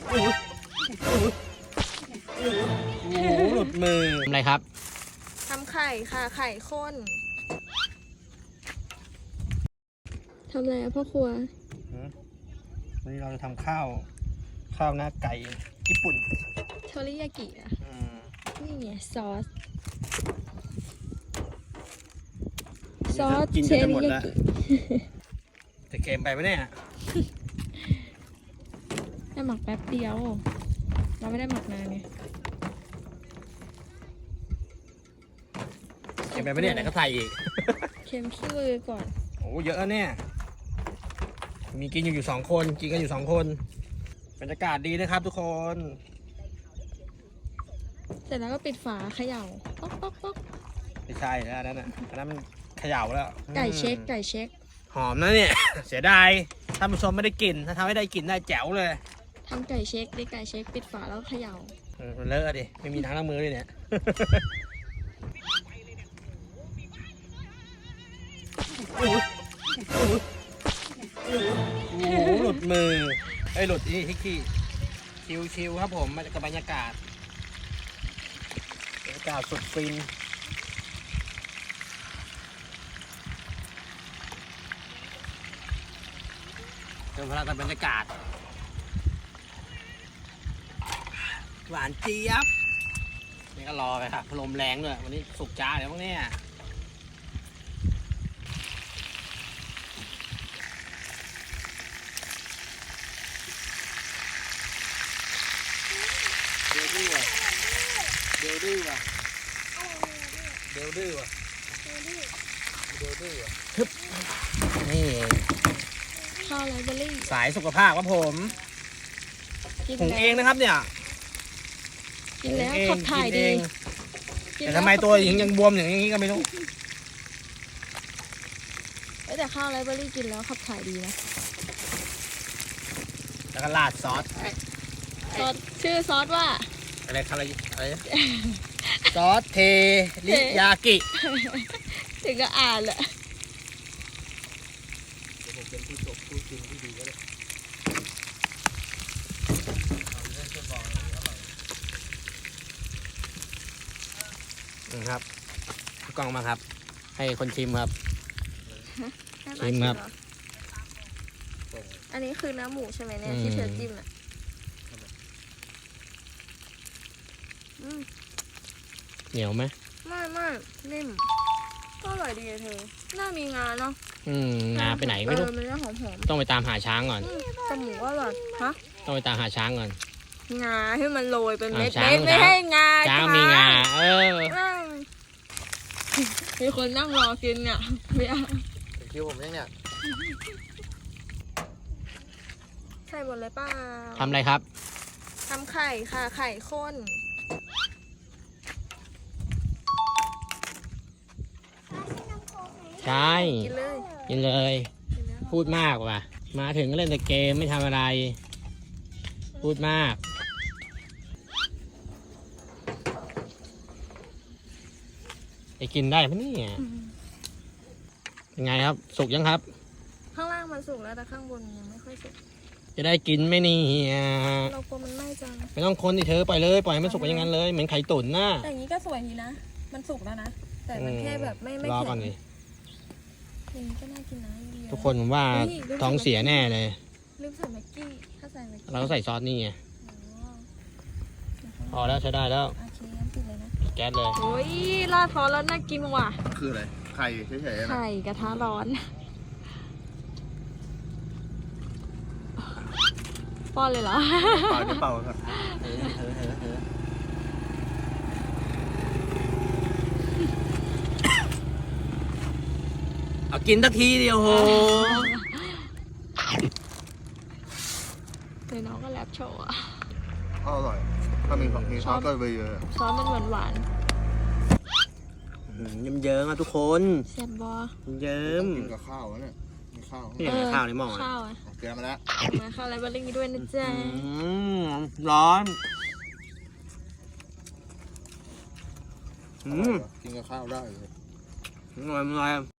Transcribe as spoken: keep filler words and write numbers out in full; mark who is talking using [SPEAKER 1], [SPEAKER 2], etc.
[SPEAKER 1] โอ้โหหลุดมือทำอะไรครับ
[SPEAKER 2] ทำไข่ค่ะไข่ข้นทำอะไรอะพ่อครัว
[SPEAKER 1] วันนี้เราจะทำข้าวข้าวหน้าไก่ญี่ปุ่น
[SPEAKER 2] โทริยากิอะนี่ไงซอสซอสเชริยากิ
[SPEAKER 1] จะเค็มไปไหมเนี่ย
[SPEAKER 2] ได้หมักแป๊บเดียวเราไม่ได้หมักนานไง
[SPEAKER 1] เค็มไปไหมเนี่ยไหนก็ใส่อีก
[SPEAKER 2] เค็มขี้มือก่อน
[SPEAKER 1] โอ้เยอะเนี่ยมีกินอยู่อยู่สองคนกินกันอยู่สองคนบรรยากาศดีนะครับทุกคน
[SPEAKER 2] เสร็จแล้วก็ปิดฝาเขย่าป๊อกป๊อกป๊อก
[SPEAKER 1] ไม่ใช่แล้วนั่นน่ะอันนั้นมันเขย่าแล้ว
[SPEAKER 2] ไก่เช็คไก่เช็ค
[SPEAKER 1] หอมนะเนี่ย เสียดายท่านผู้ชมไม่ได้กินถ้าทำให้ได้กินได้แจ๋วเลย
[SPEAKER 2] ทำไก่เช็คดิไก่เช็คปิดฝาแล้วเขย่า
[SPEAKER 1] มันเลอะดิไม่มีน้ำล้างมือเลยเนี่ยโอ้โหหลุดมือไอ้หลุดนี่ที่ขี้ชิวๆครับผมมากับบรรยากาศบรรยากาศสุดฟินเติมพลังกับบรรยากาศหวานเจี๊ยบนี่ก็รอไปครับลมแรงด้วยวันนี้สุกจ้าเดี๋ยวพวกนี้เดี๋ยวดื้อว่ะเดี๋ยวดื้อว่ะเดี๋ยวดื้อว่ะเดี๋ยวดื้อว่ะฮึบนี่
[SPEAKER 2] ข้าวไรเบอรี่
[SPEAKER 1] สายสุขภาพครับผมหุงเองนะครับเนี่ย
[SPEAKER 2] กินแล้วขับถ่ายดี
[SPEAKER 1] แต่ทำไมตัวหญิงยังบวมอย่างนี้ก็ไม่รู้
[SPEAKER 2] แต่ข้าวไรเบอรี่กินแล้วขับถ่ายดีนะ
[SPEAKER 1] แล้วก็ราดซอส
[SPEAKER 2] ซอสชื่อซอสว่า
[SPEAKER 1] อะไรอะไรอะไรซอสเทริยากิ
[SPEAKER 2] ถึงก็อ่านแหละ
[SPEAKER 1] ผมเป็นผู้ชมผู้ชิมที่ดีก็เลยครับกล้องมาครับให้คนชิมครับชิมครับ
[SPEAKER 2] อันนี้คือเนื้อหมูใช่ไหมเนี่ยที่เธอจิ้มอ่ะ
[SPEAKER 1] เหนียวไหม
[SPEAKER 2] ไม่ไม่นิ่มก็อร่อยดีเธอน่ามีงาเนาะ
[SPEAKER 1] อืมงาไปไหนไม่รู้
[SPEAKER 2] มันจะหอมหอม
[SPEAKER 1] ต้องไปตามหาช้างก่อน
[SPEAKER 2] แต่หมูก็อร่อยฮะ
[SPEAKER 1] ต้องไปตามหาช้างก่อน
[SPEAKER 2] งาให้มันโรยเป็นเม็ดเม็ดไม่ให้งา
[SPEAKER 1] ช้างมีงาเออ
[SPEAKER 2] มีคนนั่งรอกินเนี่ยเบียร์
[SPEAKER 1] คิวผมยังเนี่ย
[SPEAKER 2] ใช่หมดเลยป้า
[SPEAKER 1] ทำอะไรครับ
[SPEAKER 2] ทำไข่ค่ะไข่ข้น
[SPEAKER 1] ใช่กินเลยกินเลยพูดมากว่ะมาถึงก็เล่นแต่เกมไม่ทำอะไรพูดมากไปกินได้ไหมเนี่ยยังไงครับสุกยังครับ
[SPEAKER 2] ข้างล่างมันสุกแล้วแต่ข้างบนยังไม่ค่อยสุก
[SPEAKER 1] จะได้กินไหมนี่
[SPEAKER 2] เรากลัวมันไหม้จัง
[SPEAKER 1] ไม่ต้องคนดิเธอปล่อยเลยปล่อยให้มันสุกไปอย่างนั้นเลยเหมือนไข่ตุ๋นนะ
[SPEAKER 2] แต่อย่างนี้ก็สวยดีนะมันสุกแล้วนะแต่มันแค่แบบไม่ไม่
[SPEAKER 1] รอก่อนดิ
[SPEAKER 2] อย่างนี้ก็น่ากินนะ
[SPEAKER 1] ทุกคนผมว่าท้องเสียแน่เลย
[SPEAKER 2] ลืมใส่แม็กกี้ถ้าใส่แม็กกี้
[SPEAKER 1] เราก็ใส่ซอสนี่ไงพอแล้วใช้ได้แล้ว
[SPEAKER 2] โอเคงั้นปิดเลยนะ
[SPEAKER 1] แก๊สเลย
[SPEAKER 2] โอ้ยราดพอแล้วน่ากินว่ะ
[SPEAKER 3] คืออะไรไข่เฉยๆ
[SPEAKER 2] ไข่กระทะร้อนป้อนเลยเหรอ
[SPEAKER 3] เป่าจะเป่าครับ
[SPEAKER 1] เอากินสักทีเดียวโห
[SPEAKER 2] เลยน้องก็แลบโชว์อ่ะ
[SPEAKER 3] อร่อยถ้ามีของมีซอสก็ไปเยอะ
[SPEAKER 2] ซอสมันหวานหวาน
[SPEAKER 1] เยิ้มเยิ้มอ่ะทุกคน
[SPEAKER 2] แซ่บบอ
[SPEAKER 1] เยิ้ม
[SPEAKER 3] กินกับข้าวเนี่ยมีข้าว
[SPEAKER 1] นี่ข้าวในหม้อ
[SPEAKER 2] ข้าวอ่ะ
[SPEAKER 3] เตรียมมาแล้ว
[SPEAKER 2] มาข้าวอะไรบ้างนี้ด้วยนะจ๊ะ
[SPEAKER 1] ร้อน
[SPEAKER 3] กินกับข้าวได้เลย
[SPEAKER 1] อร่อยอร่อย